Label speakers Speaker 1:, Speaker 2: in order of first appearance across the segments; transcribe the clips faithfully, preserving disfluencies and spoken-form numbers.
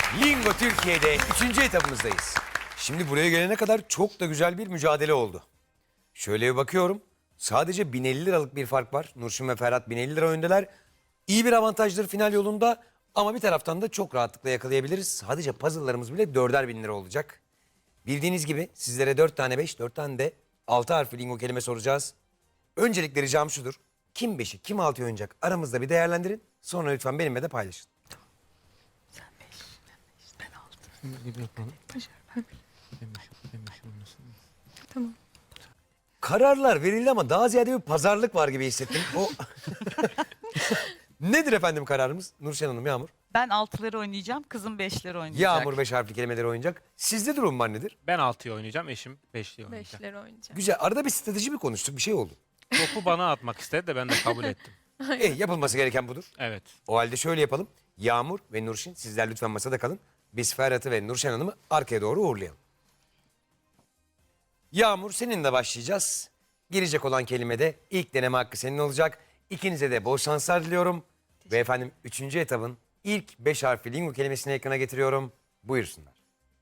Speaker 1: Lingo Türkiye'de üçüncü etapımızdayız. Şimdi buraya gelene kadar çok da güzel bir mücadele oldu. Şöyle bir bakıyorum. Sadece bin elli liralık bir fark var. Nurşin ve Ferhat bin elli lira öndeler. İyi bir avantajdır final yolunda. Ama bir taraftan da çok rahatlıkla yakalayabiliriz. Sadece puzzle'larımız bile dörder bin lira olacak. Bildiğiniz gibi sizlere dört tane beş, dört tane de altı harfli lingo kelime soracağız. Öncelikle ricam şudur. Kim beşi, kim altıyı oynayacak aramızda bir değerlendirin. Sonra lütfen benimle de paylaşın.
Speaker 2: Sen beş, sen beş, ben altı.
Speaker 3: Gibi yapalım.
Speaker 2: Başar, ben
Speaker 3: Ben beş, ben beş olmasın.
Speaker 2: Tamam.
Speaker 1: Kararlar verildi ama daha ziyade bir pazarlık var gibi hissettim. O Nedir efendim kararımız? Nurşen Hanım, Yağmur.
Speaker 4: Ben altıları oynayacağım, kızım beşleri oynayacak.
Speaker 1: Yağmur beş harfli kelimeleri oynayacak. Sizde durum var nedir?
Speaker 3: Ben altıyı oynayacağım, eşim beşliyi oynayacak.
Speaker 2: Beşleri oynayacağım.
Speaker 1: Güzel. Arada bir strateji mi konuştuk? Bir şey oldu.
Speaker 3: Topu bana atmak istedi de ben de kabul ettim.
Speaker 1: E, yapılması gereken budur.
Speaker 3: Evet.
Speaker 1: O halde şöyle yapalım. Yağmur ve Nurşin sizler lütfen masada kalın. Biz Ferhat'ı ve Nurşen Hanım'ı arkaya doğru uğurlayalım. Yağmur seninle başlayacağız. Girecek olan kelimede ilk deneme hakkı senin olacak. İkinize de bol şanslar diliyorum. Ve efendim üçüncü etabın ilk beş harfli lingo kelimesini ekrana getiriyorum. Buyursunlar.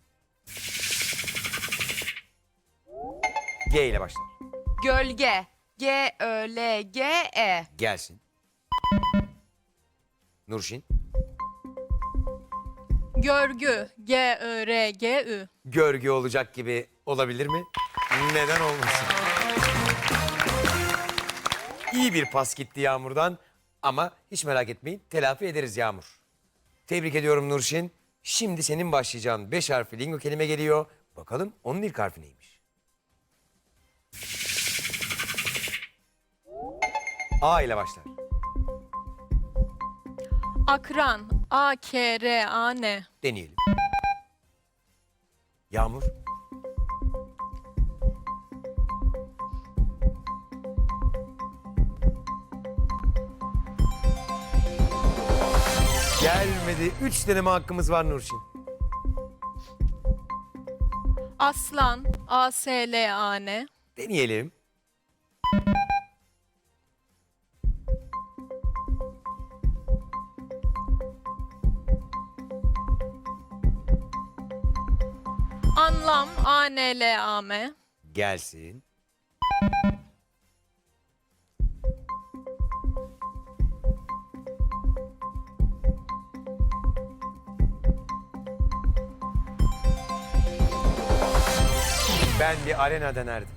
Speaker 1: G ile başlar.
Speaker 4: Gölge. G Ö L G E.
Speaker 1: Gelsin. Nurşin.
Speaker 2: Görgü. G Ö R G Ü.
Speaker 1: Görgü olacak gibi olabilir mi? Neden olmasın? İyi bir pas gitti Yağmur'dan ama hiç merak etmeyin telafi ederiz Yağmur. Tebrik ediyorum Nurşin. Şimdi senin başlayacağın beş harfli lingo kelime geliyor. Bakalım onun ilk harfi neymiş? A ile başlar.
Speaker 2: Akran. A K R A N.
Speaker 1: Deneyelim. Yağmur. Gelmedi. Üç deneme hakkımız var Nurşin.
Speaker 2: Aslan. A S L A N.
Speaker 1: Deneyelim.
Speaker 2: Anlam. A N L A M.
Speaker 1: Gelsin. Ben bir arena denerdim.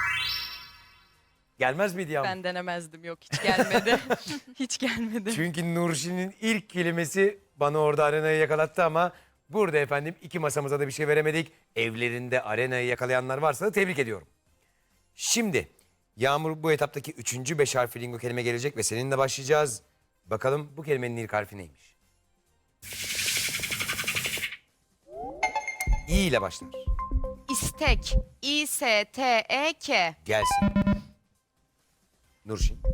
Speaker 1: Gelmez miydi Yağmur?
Speaker 4: Ben denemezdim, yok hiç gelmedi. Hiç gelmedi.
Speaker 1: Çünkü Nurşin'in ilk kelimesi bana orada arenayı yakalattı ama burada efendim iki masamıza da bir şey veremedik. Evlerinde arenayı yakalayanlar varsa da tebrik ediyorum. Şimdi Yağmur bu etaptaki üçüncü beş harfli lingo kelime gelecek ve seninle başlayacağız. Bakalım bu kelimenin ilk harfi neymiş? İ ile başlar.
Speaker 4: İstek. İ S T E K.
Speaker 1: Gelsin. Nurşin.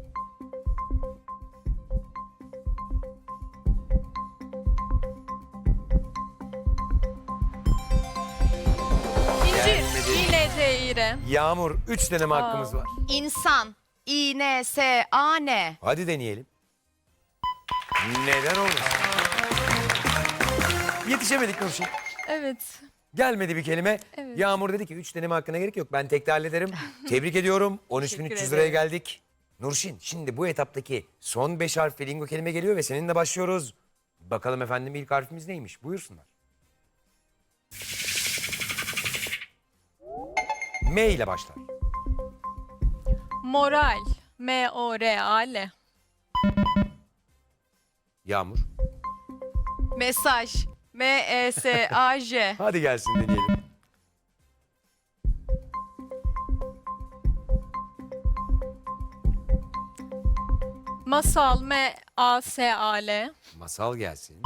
Speaker 2: İncir.
Speaker 1: Gelmedi.
Speaker 2: İ N C İ R.
Speaker 1: Yağmur üç deneme hakkımız var.
Speaker 4: İnsan. İ N S A N.
Speaker 1: Hadi deneyelim. Neden olmasın? Yetişemedik Nurşin.
Speaker 2: Evet.
Speaker 1: Gelmedi bir kelime.
Speaker 2: Evet.
Speaker 1: Yağmur dedi ki üç deneme hakkına gerek yok. Ben tek de hallederim. Tebrik ediyorum. on üç bin üç yüz
Speaker 4: Teşekkür
Speaker 1: liraya
Speaker 4: ederim.
Speaker 1: geldik. Nurşin şimdi bu etaptaki son beş harfli lingo kelime geliyor ve seninle başlıyoruz. Bakalım efendim ilk harfimiz neymiş? Buyursunlar. M ile başlar.
Speaker 2: Moral. M O R A L.
Speaker 1: Yağmur.
Speaker 4: Mesaj. M E S A J.
Speaker 1: Hadi gelsin deneyelim.
Speaker 2: Masal. M A S A L.
Speaker 1: Masal gelsin.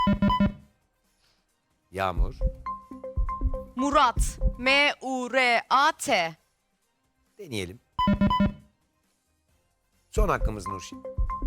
Speaker 1: Yağmur.
Speaker 4: Murat. M U R A T.
Speaker 1: Deneyelim. Son hakkımız Nurşin.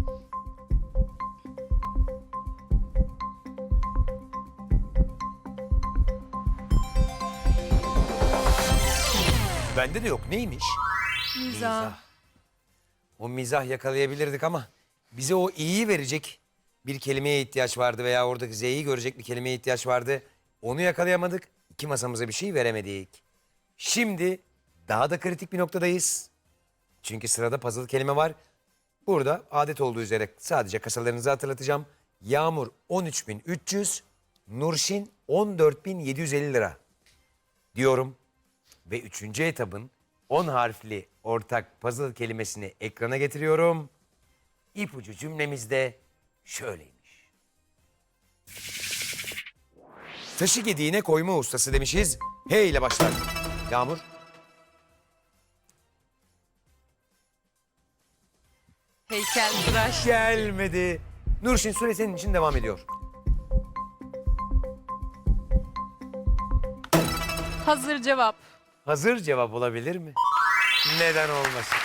Speaker 1: Bende de yok. Neymiş?
Speaker 2: Mizah.
Speaker 1: O mizah yakalayabilirdik ama bize o iyiyi verecek bir kelimeye ihtiyaç vardı veya oradaki Z'yi görecek bir kelimeye ihtiyaç vardı. Onu yakalayamadık. İki masamıza bir şey veremedik. Şimdi daha da kritik bir noktadayız. Çünkü sırada puzzle kelime var. Burada adet olduğu üzere sadece kasalarınızı hatırlatacağım. Yağmur on üç bin üç yüz, Nurşin on dört bin yedi yüz elli lira diyorum. Ve üçüncü etabın on harfli ortak puzzle kelimesini ekrana getiriyorum. İpucu cümlemiz de şöyleymiş. Taşı gediğine koyma ustası demişiz. H ile başlar. Yağmur.
Speaker 4: Heykeltıraş.
Speaker 1: Gelmedi. Nurşin süre senin için devam ediyor.
Speaker 2: Hazır cevap.
Speaker 1: Hazır cevap olabilir mi? Neden olmasın?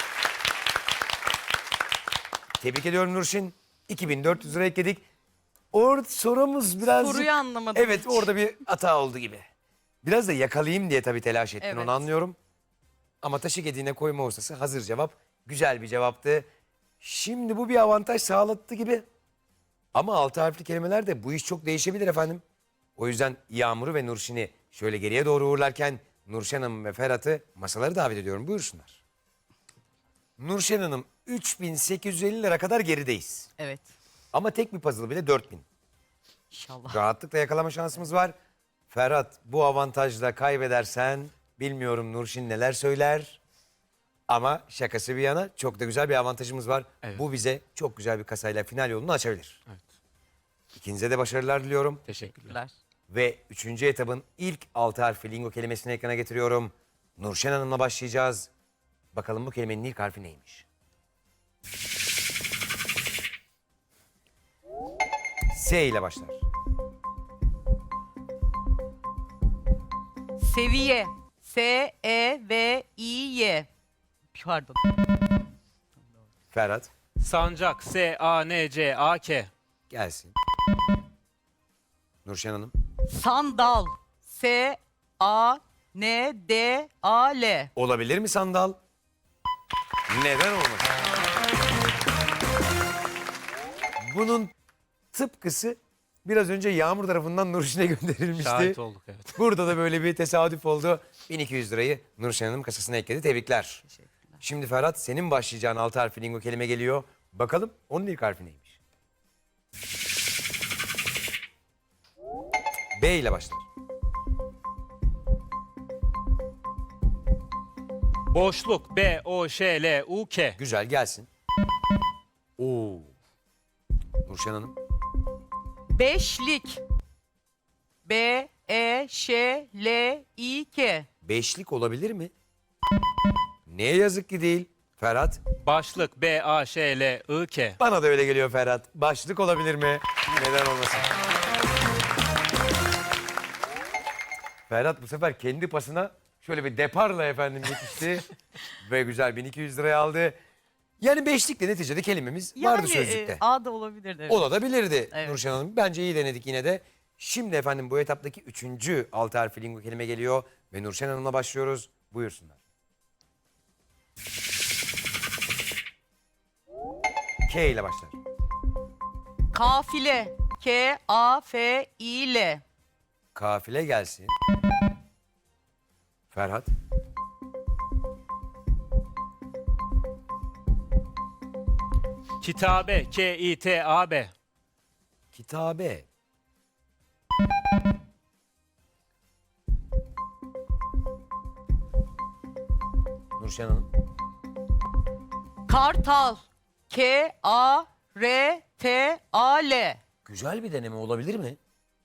Speaker 1: Tebrik ediyorum Nurşin. iki bin dört yüz lira ekledik. Orada sorumuz birazcık...
Speaker 4: Soruyu anlamadım
Speaker 1: Evet
Speaker 4: hiç.
Speaker 1: orada bir hata oldu gibi. Biraz da yakalayayım diye tabii telaş ettin
Speaker 4: Evet.
Speaker 1: onu anlıyorum. Ama taşı gediğine koyma ustası hazır cevap. Güzel bir cevaptı. Şimdi bu bir avantaj sağlattı gibi. Ama altı harfli kelimelerde bu iş çok değişebilir efendim. O yüzden Yağmur'u ve Nurşin'i şöyle geriye doğru uğurlarken Nurşen Hanım ve Ferhat'ı masaları davet ediyorum. Buyursunlar. Nurşen Hanım üç bin sekiz yüz elli lira kadar gerideyiz.
Speaker 4: Evet.
Speaker 1: Ama tek bir puzzle bile dört bin.
Speaker 4: İnşallah.
Speaker 1: Rahatlıkla yakalama şansımız var. Ferhat bu avantajla kaybedersen bilmiyorum Nurşin neler söyler. Ama şakası bir yana çok da güzel bir avantajımız var.
Speaker 3: Evet.
Speaker 1: Bu bize çok güzel bir kasayla final yolunu açabilir.
Speaker 3: Evet.
Speaker 1: İkinize de başarılar diliyorum.
Speaker 3: Teşekkürler.
Speaker 1: Ve üçüncü etabın ilk altı harfi lingo kelimesini ekrana getiriyorum. Nurşen Hanım'la başlayacağız. Bakalım bu kelimenin ilk harfi neymiş? S ile başlar.
Speaker 4: Seviye. S-E-V-İ-Y. Pardon.
Speaker 1: Ferhat
Speaker 3: Sancak. S-A-N-C-A-K.
Speaker 1: gelsin. Nurşen Hanım.
Speaker 4: Sandal. S-A-N-D-A-L.
Speaker 1: Olabilir mi sandal? Neden olmasın? Bunun tıpkısı biraz önce Yağmur tarafından Nurşin'e gönderilmişti.
Speaker 3: Şahit olduk evet.
Speaker 1: Burada da böyle bir tesadüf oldu. bin iki yüz lirayı Nurşen Hanım kasasına ekledi. Tebrikler. Şimdi Ferhat senin başlayacağın altı harfli lingo kelime geliyor. Bakalım onun ilk harfi neymiş? B ile başlar.
Speaker 3: Boşluk. B-O-Ş-L-U-K.
Speaker 1: Güzel gelsin. Oo. Nurşen Hanım.
Speaker 4: Beşlik. B-E-Ş-L-İ-K.
Speaker 1: Beşlik olabilir mi? Neye yazık ki değil. Ferhat.
Speaker 3: Başlık. B-A-Ş-L-I-K.
Speaker 1: Bana da öyle geliyor Ferhat. Başlık olabilir mi? Neden olmasın? Ferhat bu sefer kendi pasına şöyle bir deparla efendim yetişti. Ve güzel bin iki yüz liraya aldı. Yani beşlikle neticede kelimemiz vardı sözlükte.
Speaker 4: e, A da olabilirdi. Evet.
Speaker 1: Olabilirdi
Speaker 4: Evet.
Speaker 1: Nurşen Hanım. Bence iyi denedik yine de. Şimdi efendim bu etaptaki üçüncü altı harfli lingo kelime geliyor. Ve Nurşen Hanım'la başlıyoruz. Buyursunlar. K ile başlar.
Speaker 4: Kafile. K-A-F-İ-L.
Speaker 1: Kafile gelsin. Ferhat.
Speaker 3: Kitabe. K-İ-T-A-B.
Speaker 1: Kitabe. Nurşen Hanım.
Speaker 4: Kartal. K-A-R-T-A-L.
Speaker 1: Güzel bir deneme olabilir mi?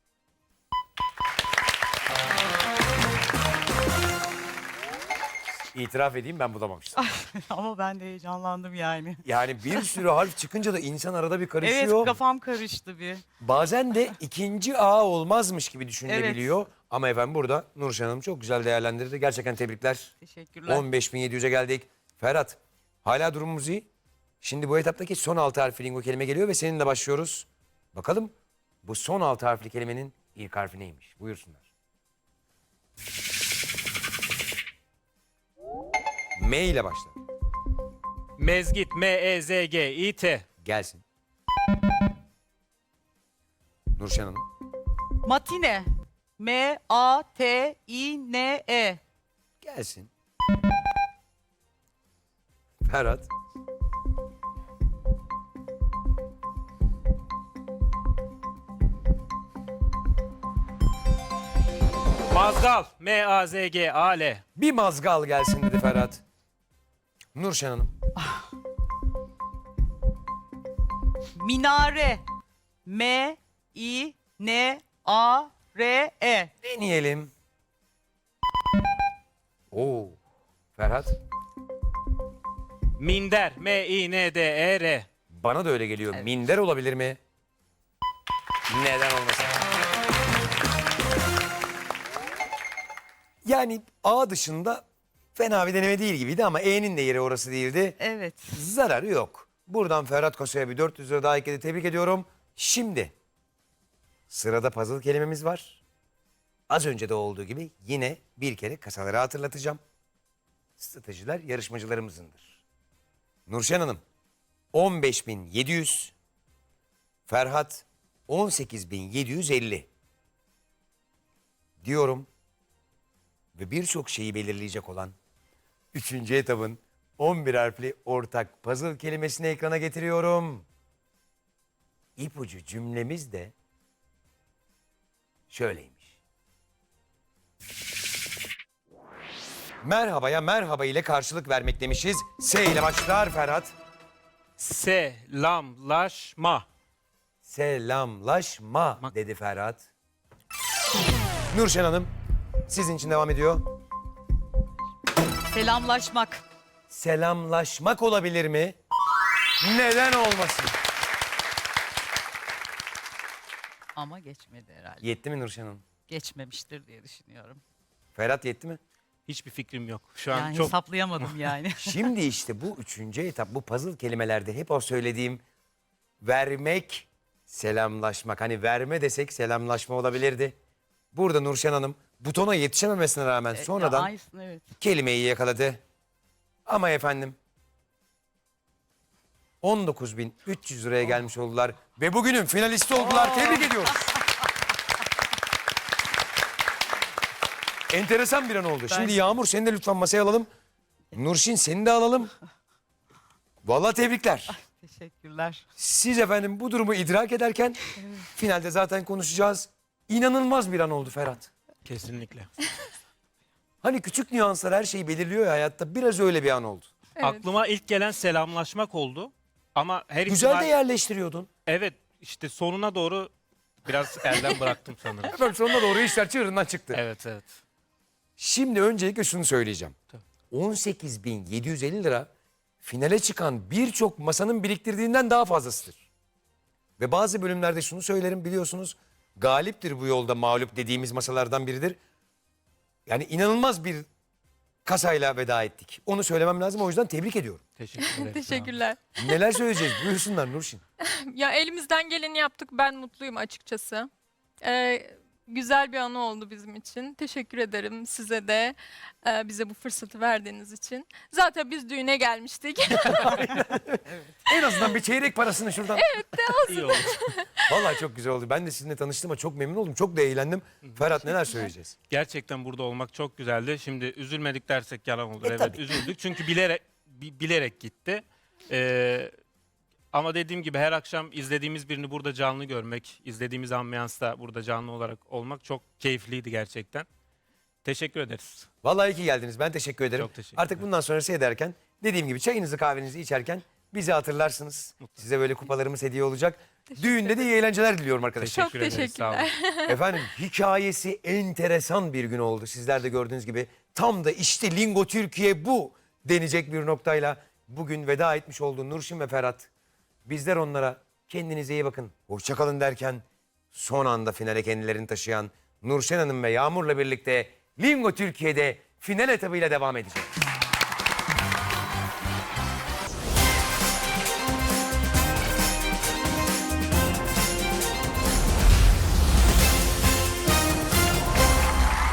Speaker 1: İtiraf edeyim ben bulamamıştım.
Speaker 5: Ama ben de heyecanlandım yani.
Speaker 1: Yani bir sürü harf çıkınca da insan arada bir karışıyor.
Speaker 5: Evet, kafam karıştı bir.
Speaker 1: Bazen de ikinci A olmazmış gibi düşünülebiliyor. Ama efendim burada Nurşen Hanım çok güzel değerlendirdi. Gerçekten tebrikler.
Speaker 5: Teşekkürler.
Speaker 1: on beş bin yedi yüze geldik. Ferhat, hala durumumuz iyi. Şimdi bu etaptaki son altı harfli lingo kelime geliyor ve seninle başlıyoruz. Bakalım bu son altı harfli kelimenin ilk harfi neymiş? Buyursunlar. M ile başlar.
Speaker 3: Mezgit. M-E-Z-G-İ-T.
Speaker 1: Gelsin. Nurşen Hanım.
Speaker 4: Matine.
Speaker 5: M A T İ N E.
Speaker 1: Gelsin. Ferhat.
Speaker 3: Mazgal M A Z G A L.
Speaker 1: Bir mazgal gelsin dedi Ferhat. Nurşen Hanım.
Speaker 5: Minare. M İ N A R E.
Speaker 1: Deneyelim. Oo. Ferhat.
Speaker 3: Minder M İ N D E R.
Speaker 1: Bana da öyle geliyor. Minder olabilir mi? Neden olmasın? Yani A dışında fena bir deneme değil gibiydi ama E'nin de yeri orası değildi.
Speaker 5: Evet.
Speaker 1: Zararı yok. Buradan Ferhat Kosa'ya bir dört yüz lira daha ekledi. Tebrik ediyorum. Şimdi sırada puzzle kelimemiz var. Az önce de olduğu gibi yine bir kere kasaları hatırlatacağım. Stratejiler yarışmacılarımızındır. Nurşen Hanım on beş bin yedi yüz, Ferhat on sekiz bin yedi yüz elli diyorum ve birçok şeyi belirleyecek olan üçüncü etabın on bir harfli ortak puzzle kelimesini ekrana getiriyorum. İpucu cümlemiz de şöyleymiş. Merhabaya merhaba ile karşılık vermek demişiz. S ile başlar Ferhat.
Speaker 3: Selamlaşma.
Speaker 1: Selamlaşma
Speaker 3: Mak-
Speaker 1: dedi Ferhat. Nurşen Hanım sizin için devam ediyor.
Speaker 5: Selamlaşmak.
Speaker 1: Selamlaşmak olabilir mi? Neden olmasın?
Speaker 5: Ama geçmedi herhalde.
Speaker 1: Yetti mi Nurşen Hanım?
Speaker 5: Geçmemiştir diye düşünüyorum.
Speaker 1: Ferhat yetti mi?
Speaker 3: Hiçbir fikrim yok. Şu an
Speaker 5: Yani
Speaker 3: çok
Speaker 5: hesaplayamadım yani.
Speaker 1: Şimdi işte bu üçüncü etap, bu puzzle kelimelerde hep o söylediğim vermek, selamlaşmak. Hani verme desek selamlaşma olabilirdi. Burada Nurşen Hanım butona yetişememesine rağmen
Speaker 5: Ya
Speaker 1: sonradan
Speaker 5: aynısını, evet.
Speaker 1: kelimeyi yakaladı. Ama efendim on dokuz bin üç yüz liraya gelmiş oldular ve bugünün finalisti oldular. Tebrik ediyoruz. Enteresan bir an oldu. Şimdi Yağmur seni de lütfen masaya alalım. Nurşin seni de alalım. Vallahi tebrikler.
Speaker 5: Teşekkürler.
Speaker 1: Siz efendim bu durumu idrak ederken finalde zaten konuşacağız. İnanılmaz bir an oldu Ferhat.
Speaker 3: kesinlikle.
Speaker 1: Hani küçük nüanslar her şeyi belirliyor ya hayatta. Biraz öyle bir an oldu.
Speaker 2: Evet.
Speaker 3: Aklıma ilk gelen selamlaşmak oldu. Ama her
Speaker 1: Güzel
Speaker 3: ihtimal...
Speaker 1: de yerleştiriyordun.
Speaker 3: Evet işte sonuna doğru biraz elden bıraktım sanırım.
Speaker 1: Efendim sonuna doğru işler çığırından çıktı.
Speaker 3: Evet evet.
Speaker 1: Şimdi öncelikle şunu söyleyeceğim.
Speaker 3: Tabii.
Speaker 1: on sekiz bin yedi yüz elli lira finale çıkan birçok masanın biriktirdiğinden daha fazlasıdır. Ve bazı bölümlerde şunu söylerim biliyorsunuz. Galiptir bu yolda mağlup dediğimiz masalardan biridir. Yani inanılmaz bir kasayla veda ettik. Onu söylemem lazım o yüzden tebrik ediyorum.
Speaker 3: Teşekkür ederim.
Speaker 2: Teşekkürler.
Speaker 1: Neler söyleyeceğiz? Buyursunlar Nurşin.
Speaker 2: Ya elimizden geleni yaptık. Ben mutluyum açıkçası. Ee, güzel bir anı oldu bizim için. Teşekkür ederim size de e, bize bu fırsatı verdiğiniz için. Zaten biz düğüne gelmiştik.
Speaker 1: En azından bir çeyrek parasını şuradan.
Speaker 3: İyi oldu.
Speaker 1: Vallahi çok güzel oldu. Ben de sizinle tanıştığıma çok memnun oldum. Çok da eğlendim. Ferhat neler söyleyeceğiz?
Speaker 3: Gerçekten burada olmak çok güzeldi. Şimdi üzülmedik dersek yalan olur.
Speaker 1: E,
Speaker 3: evet
Speaker 1: tabii.
Speaker 3: üzüldük çünkü bilerek bi- bilerek gitti. Ee, ama dediğim gibi her akşam izlediğimiz birini burada canlı görmek, izlediğimiz ambiyansta burada canlı olarak olmak çok keyifliydi gerçekten. Teşekkür ederiz.
Speaker 1: Vallahi iyi ki geldiniz. Ben teşekkür ederim.
Speaker 3: Çok teşekkür
Speaker 1: Artık bundan sonrası ederken dediğim gibi çayınızı kahvenizi içerken bizi hatırlarsınız. Size böyle kupalarımız hediye olacak. Düğünde de iyi eğlenceler diliyorum arkadaşlar.
Speaker 2: Çok
Speaker 3: Teşekkür ederiz. Sağ olun.
Speaker 2: teşekkürler.
Speaker 1: Efendim hikayesi enteresan bir gün oldu. Sizler de gördüğünüz gibi tam da işte Lingo Türkiye bu denecek bir noktayla bugün veda etmiş oldu Nurşin ve Ferhat. Bizler onlara kendinize iyi bakın, hoşça kalın derken son anda finale kendilerini taşıyan Nurşen Hanım ve Yağmur'la birlikte Lingo Türkiye'de final etabıyla devam edecek.